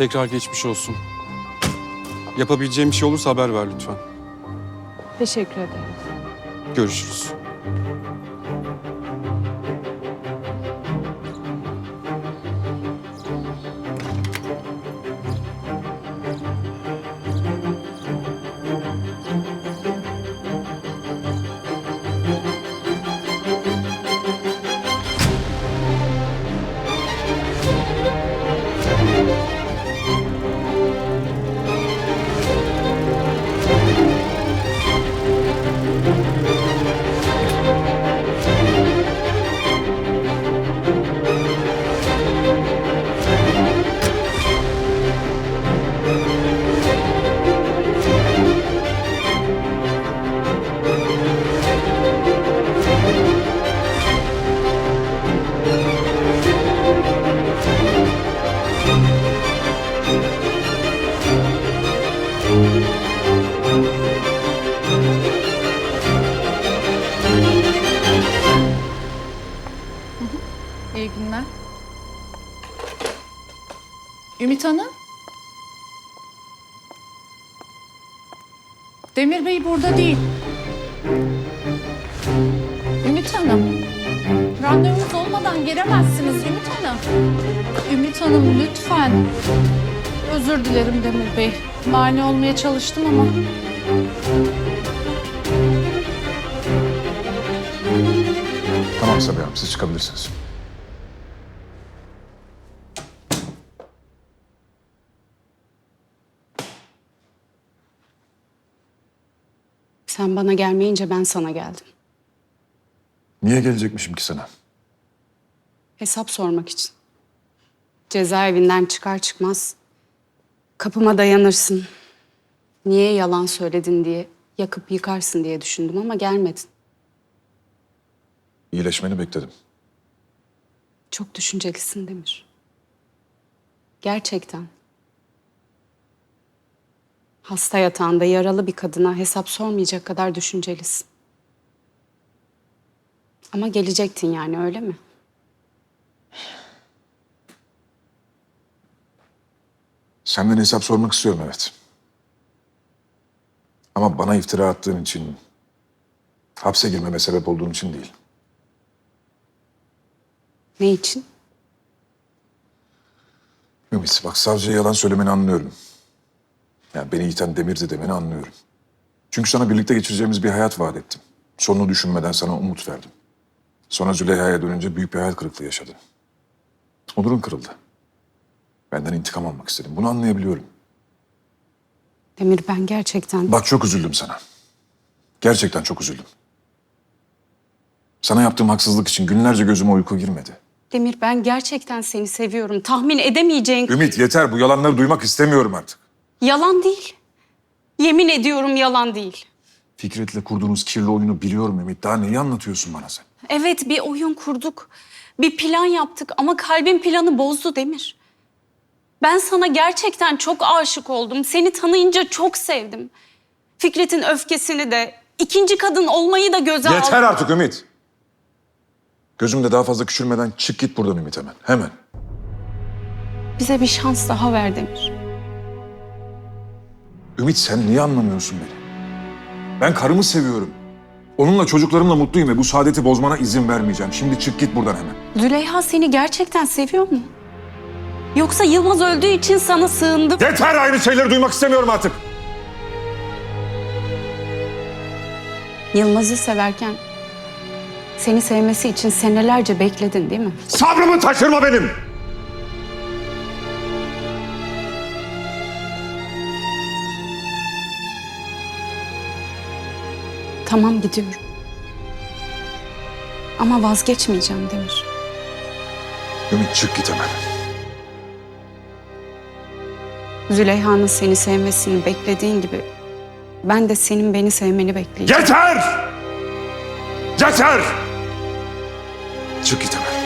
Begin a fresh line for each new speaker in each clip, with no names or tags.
Tekrar geçmiş olsun. Yapabileceğim bir şey olursa haber ver lütfen.
Teşekkür ederim.
Görüşürüz.
İyi günler. Ümit Hanım. Demir Bey burada değil. Ümit Hanım. Randevunuz olmadan gelemezsiniz Ümit Hanım. Ümit Hanım lütfen. Özür dilerim Demir Bey. Mani olmaya çalıştım ama.
Tamam Sabiha Hanım, siz çıkabilirsiniz.
Sen bana gelmeyince ben sana geldim.
Niye gelecekmişim ki sana?
Hesap sormak için. Cezaevinden çıkar çıkmaz kapıma dayanırsın. Niye yalan söyledin diye, yakıp yıkarsın diye düşündüm ama gelmedin.
İyileşmeni bekledim.
Çok düşüncelisin Demir. Gerçekten. Hasta yatağında yaralı bir kadına hesap sormayacak kadar düşüncelisin. Ama gelecektin yani, öyle mi?
Senden hesap sormak istiyorum, evet. Ama bana iftira attığın için, hapse girmeme sebep olduğun için değil.
Ne için?
Ümit, bak, savcıya yalan söylemeni anlıyorum. Yani beni iten Demir'di demeni anlıyorum. Çünkü sana birlikte geçireceğimiz bir hayat vaat ettim. Sonunu düşünmeden sana umut verdim. Sonra Züleyha'ya dönünce büyük bir hayal kırıklığı yaşadın. Onurun kırıldı. Benden intikam almak istedim. Bunu anlayabiliyorum.
Demir, ben gerçekten...
Bak, çok üzüldüm sana. Gerçekten çok üzüldüm. Sana yaptığım haksızlık için günlerce gözüme uyku girmedi.
Demir, ben gerçekten seni seviyorum. Tahmin edemeyeceğin...
Ümit, yeter. Bu yalanları duymak istemiyorum artık.
Yalan değil. Yemin ediyorum yalan değil.
Fikret'le kurduğunuz kirli oyunu biliyorum Ümit. Daha neyi anlatıyorsun bana sen?
Evet, bir oyun kurduk. Bir plan yaptık ama kalbin planı bozdu Demir. Ben sana gerçekten çok aşık oldum. Seni tanıyınca çok sevdim. Fikret'in öfkesini de, ikinci kadın olmayı da göze aldım.
Yeter artık Ümit. Gözümde daha fazla küçülmeden çık git buradan Ümit, hemen. Hemen.
Bize bir şans daha ver Demir.
Ümit, sen niye anlamıyorsun beni? Ben karımı seviyorum. Onunla, çocuklarımla mutluyum ve bu saadeti bozmana izin vermeyeceğim. Şimdi çık git buradan hemen.
Züleyha seni gerçekten seviyor mu? Yoksa Yılmaz öldüğü için sana sığındı.
Yeter, aynı şeyleri duymak istemiyorum artık.
Yılmaz'ı severken seni sevmesi için senelerce bekledin değil mi?
Sabrımı taşırma benim.
Tamam, gidiyorum. Ama vazgeçmeyeceğim Demir.
Ümit, çık git hemen.
Züleyha'nın seni sevmesini beklediğin gibi ben de senin beni sevmeni bekleyeceğim.
Yeter! Yeter! Çık git hemen.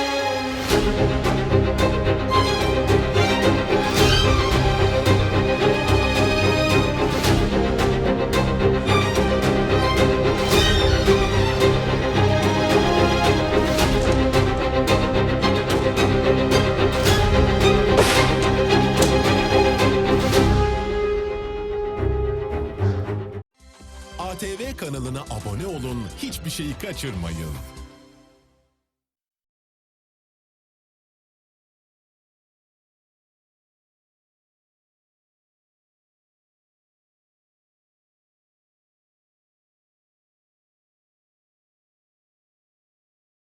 abone olun, hiçbir şeyi kaçırmayın.